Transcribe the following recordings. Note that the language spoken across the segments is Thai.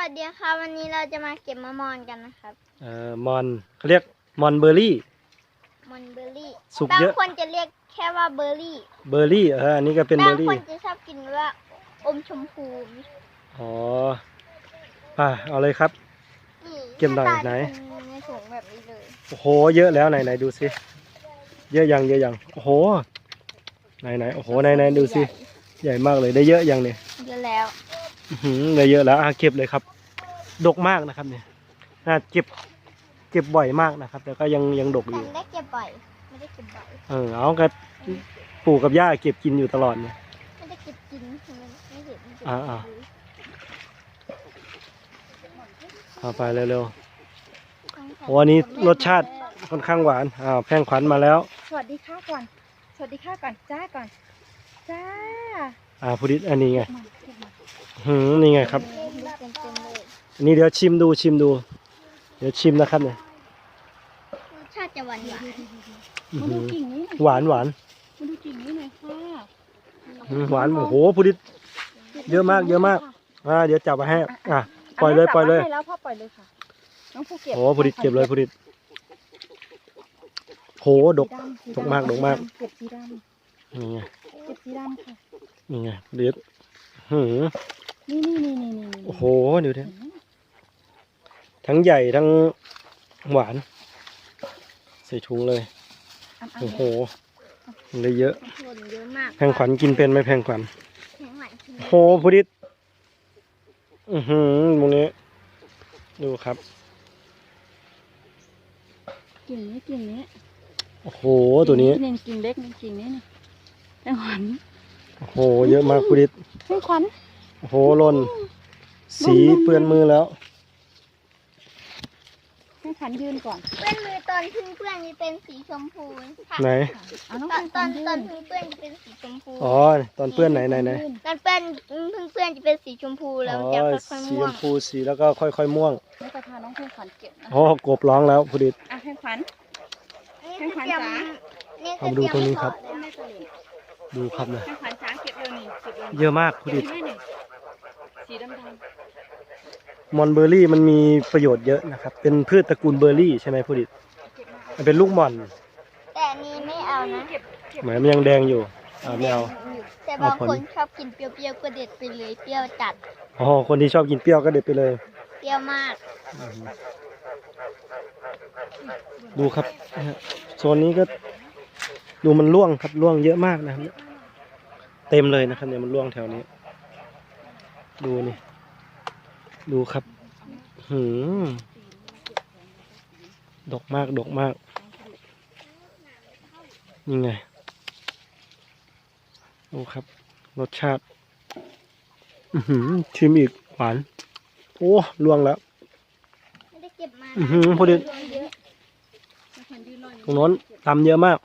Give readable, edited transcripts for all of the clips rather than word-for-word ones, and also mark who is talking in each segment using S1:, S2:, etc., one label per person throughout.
S1: สดีค่ะวันนี้เราจะมาเก็บมะม่อนกันนะครับ
S2: มอนเขาเรียกมอนเบอร์รี่
S1: มอนเบอร์รี่
S2: สุกเยอะ
S1: บางคนจะเรียกแค่ว่าเบอร์รี่
S2: อันนี้ก็เป็นเบอร์รี่
S1: บางคนจะชอบกินว่าอมชมพู
S2: อ๋อเอาเลยครับเก็บหน่อยไหน
S1: ในถุงแบบนี้เลย
S2: โอ้โหเยอะแล้วไหนดูสิเยอะยังโอ้โหไหนโอ้โหไหนดูสิใหญ่มากเลยได้เยอะยังเนี่ย
S1: เยอะแล้ว
S2: ได้เยอะแล้วเก็บเลยครับดกมากนะครับเนี่ยน่าเก็บบ่อยมากนะครับแต่ก็ยังดกอยู่
S1: ได้เก็บบ่อยไม่ได้เก็บบ่อย
S2: เอากระปู่กับย่าเก็บกินอยู่ตลอดเนี่ย
S1: ไม่ได้เก็บกินไม่เห็น
S2: เอาไปเร็วๆวันนี้รสชาติค่อนข้างหวานแพงขวัญมาแล้ว
S3: สวัสดีค่ะก่อนจ้าก่อนจ้า
S2: พุดิษอันนี้ไงนี่ไงครับอันนี้เดี๋ยวชิมดูเดี๋ยวชิมนะครับเนี่ย
S1: รสชาติจะหวาน
S3: มาดูกิ่งนี้
S2: หวาน
S3: มาดูกิ่งนี้หน่อยค่ะ
S2: หวานโอ้โหพุดิษเยอะมากเดี๋ยวจับมาให้ปล่อยเลย
S3: แล้วพ่อปล่อยเลยค่ะน้องผู้เก็บ
S2: โอ้พุดิษเก็บเลยพุดิษโหดกมาก
S3: เก็บสีดำ
S2: นี่ไง
S3: เก็บสีดำค่ะ
S2: นี่ไงพุดิษ
S3: นี่
S2: โอ้โหดูดิทั้งใหญ่ทั้งหวานใส่ถุงเลยโอ้โหเลยเยอะแพงขวัญกินเป็นไหมแพงขวัญโหพุดิษตรงนี้ดูครับ
S3: กิ่งนี้
S2: โอ้โหตัวนี้
S3: กิ่งเล็กกิ่งนี้นี่แพงขวัญ
S2: โอ้โหเยอะมากพุดิษ
S3: แพงขวัญ
S2: โอ้โหหล่นสีเปื้อนมือแล้ว
S3: ให้ขันยืนก่อน
S1: เปื้อนมือตอนพึ่งเปื้อนจะเป็นสีชมพู
S2: ไหน
S1: ตอนพึ่งเปื้อนจะเป็นสีชมพู
S2: ตอนเปื้อนไหน
S1: ตอนเปื้อนพึ่งเปื้อนจะเป็นสีชมพูแล้วจะค่อยๆม่วง
S2: สีชมพูสีแล้วก็ค่อยๆม่วง
S3: แล้วจะพาน้องเพลงขวัญเก็บ
S2: นะกบร้องแล้วพุดิษ
S3: เพลงขวัญจ๋า
S2: เอาดูตรงนี้ครับดูครับนะ
S3: เพลงขวัญจ๋าเก็บเร็วนี่
S2: เยอะมากพุดิษ
S3: สีดำ
S2: มอนเบอร์รี่มันมีประโยชน์เยอะนะครับเป็นพืชตระกูลเบอร์รี่ใช่ไหมพุดิษมันเป็นลูกมอน
S1: แต่นี้ไม่เอานะ
S2: เหมือนมันยังแดงอยู่ไม่เอา
S1: แต่บางคนชอบกินเปรี้ยวๆก็เด็ดไปเลยเปรี้ยวจัด
S2: คนที่ชอบกินเปรี้ยวก็เด็ดไปเลย
S1: เปรี้ยวมาก
S2: ดูครับโซนนี้ก็ดูมันร่วงครับร่วงเยอะมากนะครับเต็มเลยนะครับเนี่ยมันร่วงแถวนี้ดูนี่ดูครับดกมากนี่ไงดูครับรสชาติชิมอีกหวานโอ้ร่วงแล้ว
S1: ไม่ได้เก็บมา
S2: พอดีตรงโน้นตำเยอะมาก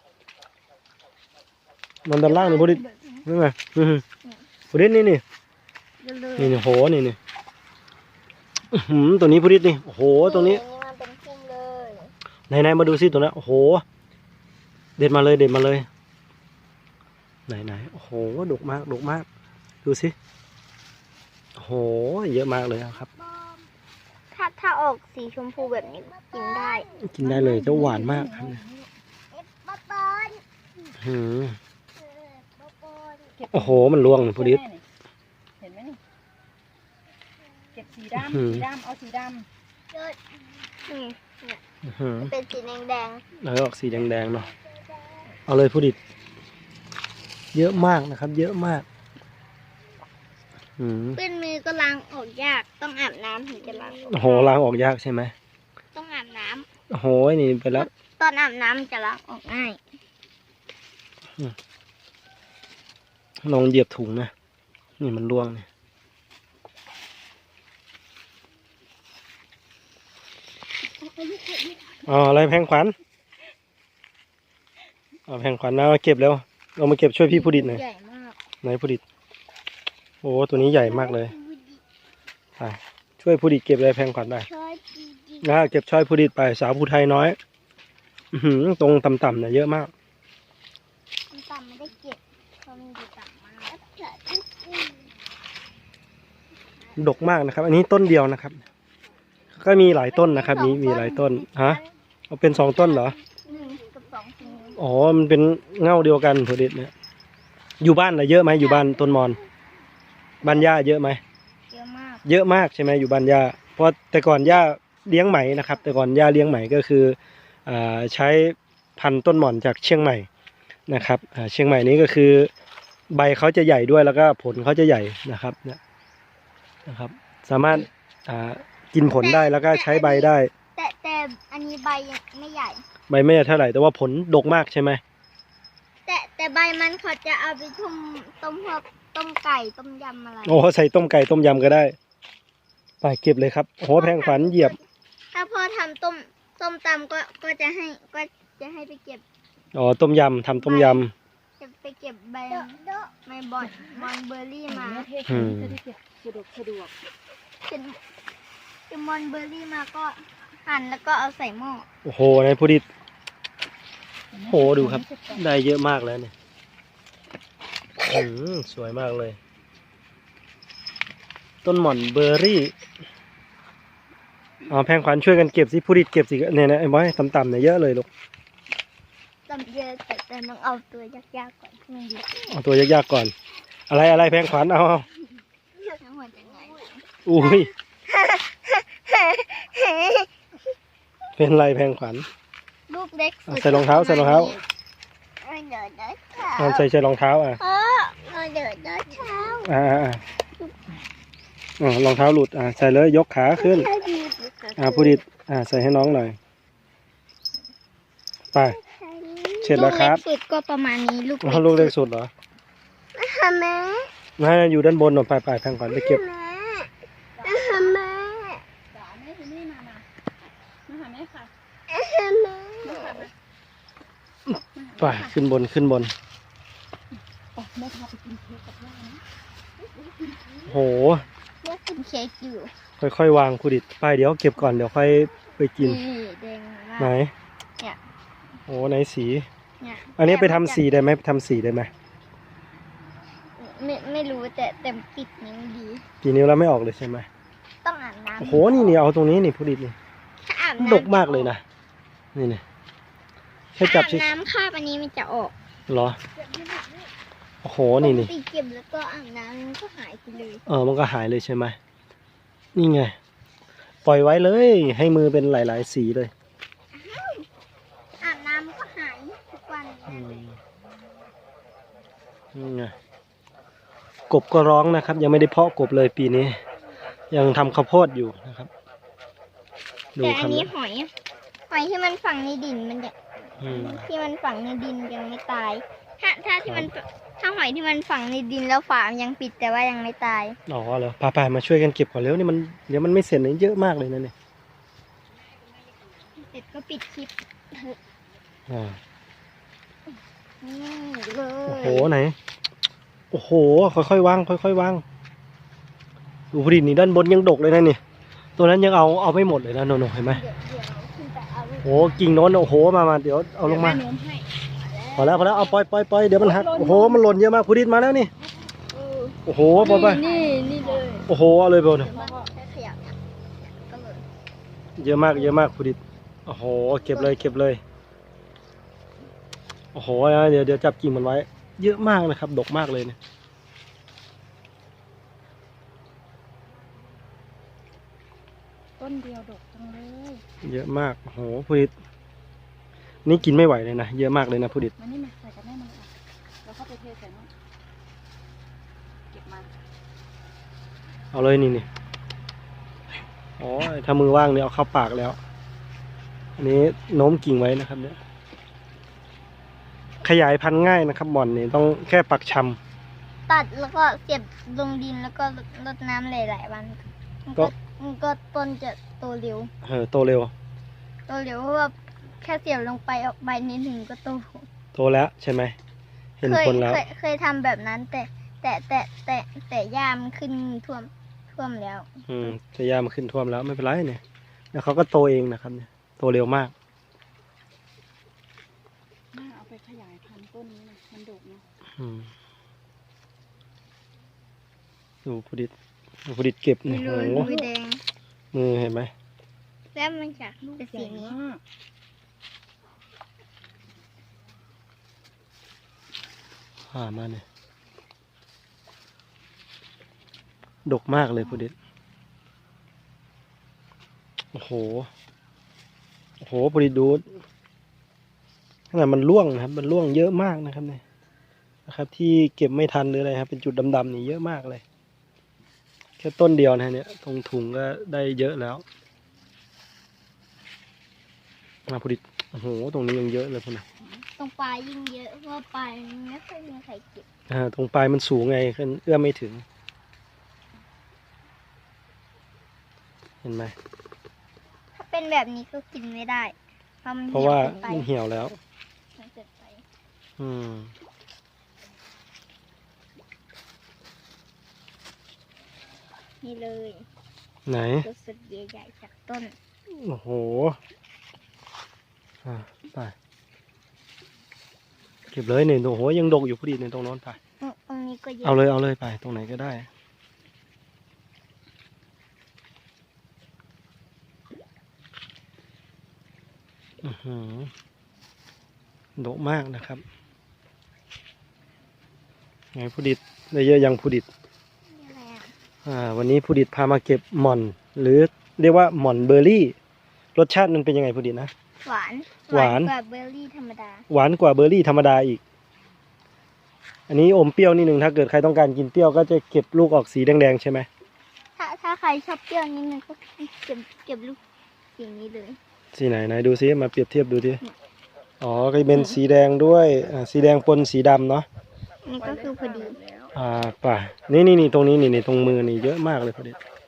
S2: มันด้านล่างนี่พอดีนี่ไงพอดีนี่โหนี่ตัวนี้พุดิษนี่โอ้โหตรงนี้ไหนมาดูซิตัวนั้นโอ้โหเด็ดมาเลยไหนโอ้โหดกมากดูสิโอ้โหเยอะมากเลยครับ
S1: ถ้าออกสีชมพูแบบนี้กินได้
S2: เลยเจ้าหวานมากครับโอ้โหมันร่วงพุดิษ
S3: เห็นไหมนี่เก็บสีดำเอาสีดำ
S1: เป็นสีแดง
S2: แล้วออกสีแดงเนาะเอาเลยพุดิษเยอะมากนะครับเยอะมาก
S1: เปื้อนมือก็ล้างออกยากต้องอาบน้ำถึงจะล้าง
S2: ล้างออกยากใช่ไหม
S1: ต้องอาบน้
S2: ำนี่ไปแล้ว
S1: ตอนอาบน้ำจะล้างออกง่าย
S2: ลองเหยียบถุงนะนี่มันร่วงเนี่ยอะไรแพงขวัญแพงขวัญนะเก็บแล้วเรามาเก็บช่วยพี่พุดิษหน่อยไหนพุดิษโอ้ตัวนี้ใหญ่มากเลยช่วยพุดิษเก็บเลยแพงขวัญไปเก็บช่วยพุดิษไปสาวภูไทยน้อยตรงต่ำๆเนี่ยเยอะมาก
S1: ต่ำไม่ได้เก็บเพราะมันอยู่ต่ำมาก
S2: ดกมากนะครับ อันนี้ต้นเดียวนะครับ ก็มีหลายต้นนะครับมีหลายต้นฮะเอาเป็น2 ต้นเหรอ
S1: 1 กับ 2ถึง
S2: อ๋อมันเป็นเง่าเดียวกันผู้ดิดเนี่ยอยู่บ้านเยอะไหมอยู่บ้านต้นมอนบ้านย่าเยอะไหม
S1: เยอะมาก
S2: เยอะมากใช่ไหมอยู่บ้านย่าเพราะแต่ก่อนย่าเลี้ยงไหมนะครับ แต่ก่อนย่าเลี้ยงไหมก็คือใช้พันธุ์ต้นหม่อนจากเชียงใหม่นะครับเชียงใหม่นี้ก็คือใบเขาจะใหญ่ด้วยแล้วก็ผลเขาจะใหญ่นะครับเนี่ยนะครับ สามารถกินผลได้แล้วก็ใช้ใบได้
S1: แต่อันนี้ใบยังไม่ใหญ่
S2: ใบไม่เท่าไหร่แต่ว่าผลดกมากใช่ไหม
S1: แต่ใบมันเขาจะเอาไปต้มพวกต้มไก่ต้มยำอะไร
S2: โอ้ใส่ต้มไก่ต้มยำก็ได้ไปเก็บเลยครับโอ้โหแพงขวัญเหยียบ
S1: ถ้าพ่อทำต้มตำก็จะให้ไปเก็บ
S2: อ๋อต้มยำทำต้มย
S1: จะไปเก็บใบไม่บอนเบอร์รี่มา
S3: เทศนี้จะได้เก็บสะดวก
S1: เป็นมอนเบอร์รี่มาก็หั่นแล้วก็เอาใส่หม้อ
S2: ำโอ้โหนายผู้ดิดโอ้โหดูครับ ได้เยอะมากแล้วเนี่ยสวยมากเลย ต้นหม่อนเบอร์รี่อ๋อแพงขวัญช่วยกันเก็บสิผู้ดิดเก็บสิเนี่ยนะไอ้บอยต่ำๆเนี่ยเยอะเลยลูก
S1: ตำเยอะแต่ต้องเอาตัวยากๆก่อนที่มันดี
S2: เอาตัวยากๆก่อน อะไรแพงขวัญเอา
S1: ทั้งหมดยังไง
S2: อุ้ยเป็นไรแพงขวัญ
S1: ลูกเล็กสุด
S2: ใส่รองเท้าใส่รองเท้า
S1: เดินเท้า
S2: ใส่รองเท้า
S1: เดินเท้า
S2: รองเท้าหลุดใส่เลยยกขาขึ้นผู้ดิดใส่ให้น้องหน่อยไปเสร็จแล้วครับ
S1: ลูกเล็กสุดก็ประมาณนี้ลูก
S2: ลูกเล็กสุดเหรอ
S1: แม่
S2: น่าอยู่ด้านบนหน่อยไปแพงขวัญไปเก็บ
S1: แม่
S3: ๆจ๋าแม่ที่นี่มาหาแม่ค่ะ
S2: ไปขึ้นบน
S3: แม่พาไปกินเค้กกับย่านะ
S2: โห
S1: เลือกกินเค้กอยู่
S2: ค่อยๆวางผู้ดิดไปเดี๋ยวเก็บก่อนเดี๋ยวค่อยไปกิน
S1: แดงมาก
S2: ไหน
S1: เนี่ย
S2: โอ้ไหนสี
S1: เนี่ย
S2: อันนี้ไปทำสีได้ไหมทำสีได้ไหม
S1: ไม่รู้แต่ปิดนิ้วดี
S2: กี่นิ้วแล้วไม่ออกเลยใช่ไหม
S1: ต้องอาบน้ำ
S2: โอ้โหนี่เอาตรงนี้นี่ผู้ดิดนี่
S1: ถ้าอาบน้ำ
S2: ดกมากเลยนะนี่แค่จับ
S1: อาบน้ำคราบอันนี้มันจะออก
S2: เหรอโอ้โหนี่
S1: ปกติเก็บแล้วก็อาบน้ำมันก็หายไปเลย
S2: มันก็หายเลยใช่ไหมนี่ไงปล่อยไว้เลยให้มือเป็นหลายๆสีเลย
S1: อาบน้ำมันก็หายทุกวัน
S2: นี่ไงกบก็ร้องนะครับ ยังไม่ได้เพาะกบเลยปีนี้ ยังทำข้าวโพดอยู่นะครับดู
S1: แต่
S2: ค
S1: อั
S2: รั
S1: น
S2: บ
S1: นี้หอยที่มันฝังในดินมันจะ
S2: อืม
S1: ที่มันฝังในดินยังไม่ตาย ถ้าหอยที่มันฝังในดินแล้วฝามันยังปิดแต่ว่ายังไม่ตาย
S2: อ๋อเหรอไปมาช่วยกันเก็บก่อนเร็วนี่มันเดี๋ยวมันไม่เสร็จเลยเยอะมากเลยนะเนี่ย
S1: เสร็จก็ปิดคลิป
S2: อ่า
S1: นี่เล
S2: โอ้
S1: ย
S2: โหไหนโอ้โหค่อยๆวางดูพอดีนี่ด้านบนยังดกเลยนะนี่ตัวนั้นยังเอาไม่หมดเลยนะโนเห็นไหม
S1: เดี๋ยวขึ้นไปเอา
S2: โอ้กิ่งโน้นโอ้โหมาเดี๋ยวเอาลงมา
S3: แม่โน้มให้
S2: พอแล้วเอาปล่อยเดี๋ยวมันหักโอ้โหมันหล่นเยอะมากพูดิดมาแล้วนี่โอ้โหปล่อยไป
S3: นี่เลย
S2: โอ้โหเอาเลยเบลเนี่ย
S1: มันแค่ขยับเนี่ยก็เลย
S2: เยอะมากพูดิดโอ้โหเก็บเลยโอ้โหเดี๋ยวจับกิ่งมันไว้ เยอะมากนะครับดกมากเลยเนี่ย
S3: ต้นเดียวดกจังเลย
S2: เยอะมากโอ้โหพูดิดนี่กินไม่ไหวเลยนะเยอะมากเลยนะพูดิด
S3: มันนี่มาใส่กับแม่มันแล้วเข้าไปเทใส่นู่นเก็บมา
S2: เอาเลยนี่อ๋อถ้ามือว่างเนี่ยเอาเข้าปากแล้ว อันนี้โน้มกิ่งไว้นะครับเนี่ยขยายพันธุ์ง่ายนะครับหม่อนนี่ต้องแค่ปักชำ
S1: ตัดแล้วก็เก็บลงดินแล้วก็รดน้ำหลายๆวันมันก็ต้นจะโตเร็ว
S2: โตเร็ว
S1: เพราะว่าแค่เสียบลงไปออกใบนิดหนึ่งก็โต
S2: แล้วใช่ไหมเห็นผลแล้ว
S1: เคยทำแบบนั้นแต่หญ้ามันขึ้นท่วมแล้ว
S2: จะยามาขึ้นท่วมแล้วไม่เป็นไรเนี่ยแล้วเขาก็โตเองนะครับเนี่ยโตเร็วมาก
S3: น่าเอาไปขยายพันธุ์ต้นนี้นะมันดกเนาะ
S2: ดูพุดิตผู้ดิดเก็บ
S1: มี
S2: โอ้
S1: รู
S2: โห
S1: มือแดง
S2: มือเห็นไหม
S1: แล้วมันจากเป็นสีนี้
S2: มาเนี่ยดกมากเลยผู้ดิดโอ้โหผู้ดิดดูขนาดมันร่วงนะครับมันร่วงเยอะมากนะครับเนี่ยนะครับ ที่เก็บไม่ทันหรืออะไรครับเป็นจุดดำๆนี่เยอะมากเลยแค่ต้นเดียวนะเนี่ยตรงถุงก็ได้เยอะแล้วผู้ดิดโอ้โหตรงนี้ยังเยอะเลยพุ่นนะ
S1: ตรงปลายยิ่งเยอะเพราะว่าปลายมันไม่ค่อยมีใครเก็บ
S2: ตรงปลายมันสูงไงขึ้นเอื้อมไม่ถึง เห็นไหม
S1: ถ้าเป็นแบบนี้ก็กินไม่ได้ เพราะมัน
S2: เพราะว่า
S1: เหี่ยวเกินไป
S2: มันเหี่ยวแล้ว
S1: มันเกินไป
S2: อืม
S1: นี่เลย
S2: ไหน
S1: ตัวสุดใหญ่ๆจากต้น
S2: โอ้โหไปเก็บเลยเนี่ยโอ้โหยังดกอยู่พอดีในตรงโน้นไป
S1: ตรงนี้ก็เยอะ
S2: เอาเลยไปตรงไหนก็ได้ดกมากนะครับไงผู้ดิดได้เยอะยังผู้ดิด
S1: นี่อะไรอ่ะ
S2: วันนี้ผู้ดิดพามาเก็บหม่อน หรือเรียกว่าหม่อนเบอร์รี่ รสชาติมันเป็นยังไงผู้ดิดนะ
S1: หวาน
S2: หวาน
S1: กว่าเบอร์รี่ธรรมดา
S2: หวานกว่าเบอร์รี่ธรรมดาอีก อันนี้อมเปรี้ยวนิดนึงถ้าเกิดใครต้องการกินเปรี้ยวก็จะเก็บลูกออกสีแดงๆใช่ไหม
S1: ถ้าใครชอบเปรี้ยวนิดนึงก็เก็บลูกสีนี้เลย
S2: สีไหนดูซิมาเปรียบเทียบดูดิอ๋อก็เป็นสีแดงด้วยสีแดงปนสีดำเนาะ
S1: นี่ก็คือพอดี
S2: ป่ะนี่ตรงนี้นี่ตรงมือนี่เยอะมากเลยพอดี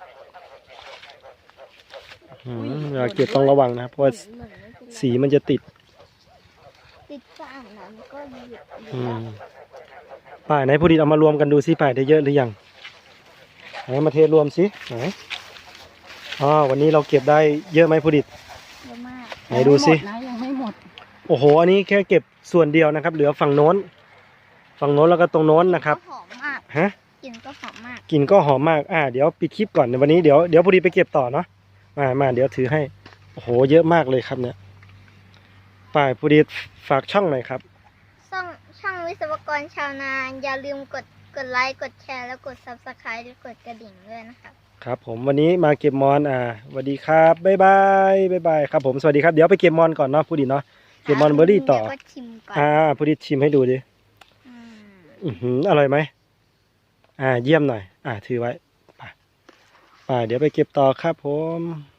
S2: เวลาเก็บต้องระวังนะเพราะว่าสีมันจะติด
S1: ติดสะอาดน้ำก็หยุด
S2: ป่าไหนพอดีเอามารวมกันดูซิป่าได้เยอะหรือยังไหนมาเทรวมซิไหนวันนี้เราเก็บได้เยอะไหมพอดี
S1: เยอะมาก
S2: ไหนดูซิ
S3: ยังไม่หมด
S2: โอ้โหอันนี้แค่เก็บส่วนเดียวนะครับ เหลือฝั่งโน้นแล้วก็ตรงโน้นนะครับ
S1: หอมมาก
S2: ฮะ
S1: กลิ่นก็หอมมาก
S2: กลิ่นก็หอมมากเดี๋ยวปิดคลิปก่อนในวันนี้เดี๋ยวพอดีไปเก็บต่อเนาะมาเดี๋ยวถือให้โอ้โหเยอะมากเลยครับเนี่ยป่ายพอดีฝากช่องหน่อยครับ
S1: ช่องวิศวกรชาวนาอย่าลืมกดไลค์กดแชร์แล้วกด Subscribe และกดกระดิ่งด้วยนะครับ
S2: ครับผมวันนี้มาเก็บมอนสวัสดีครับบ๊ายบายครับผมสวัสดีครับเดี๋ยวไปเก็บมอนก่อนเนาะพูดดีเนาะเก็บมอนเบอร์รี่ต่อ
S1: เดี๋ยวก็ชิมก่อน
S2: พูดดีชิมให้ดูดิ อร่อยไหมเยี่ยมหน่อยถือไว้ไปเดี๋ยวไปเก็บต่อครับผม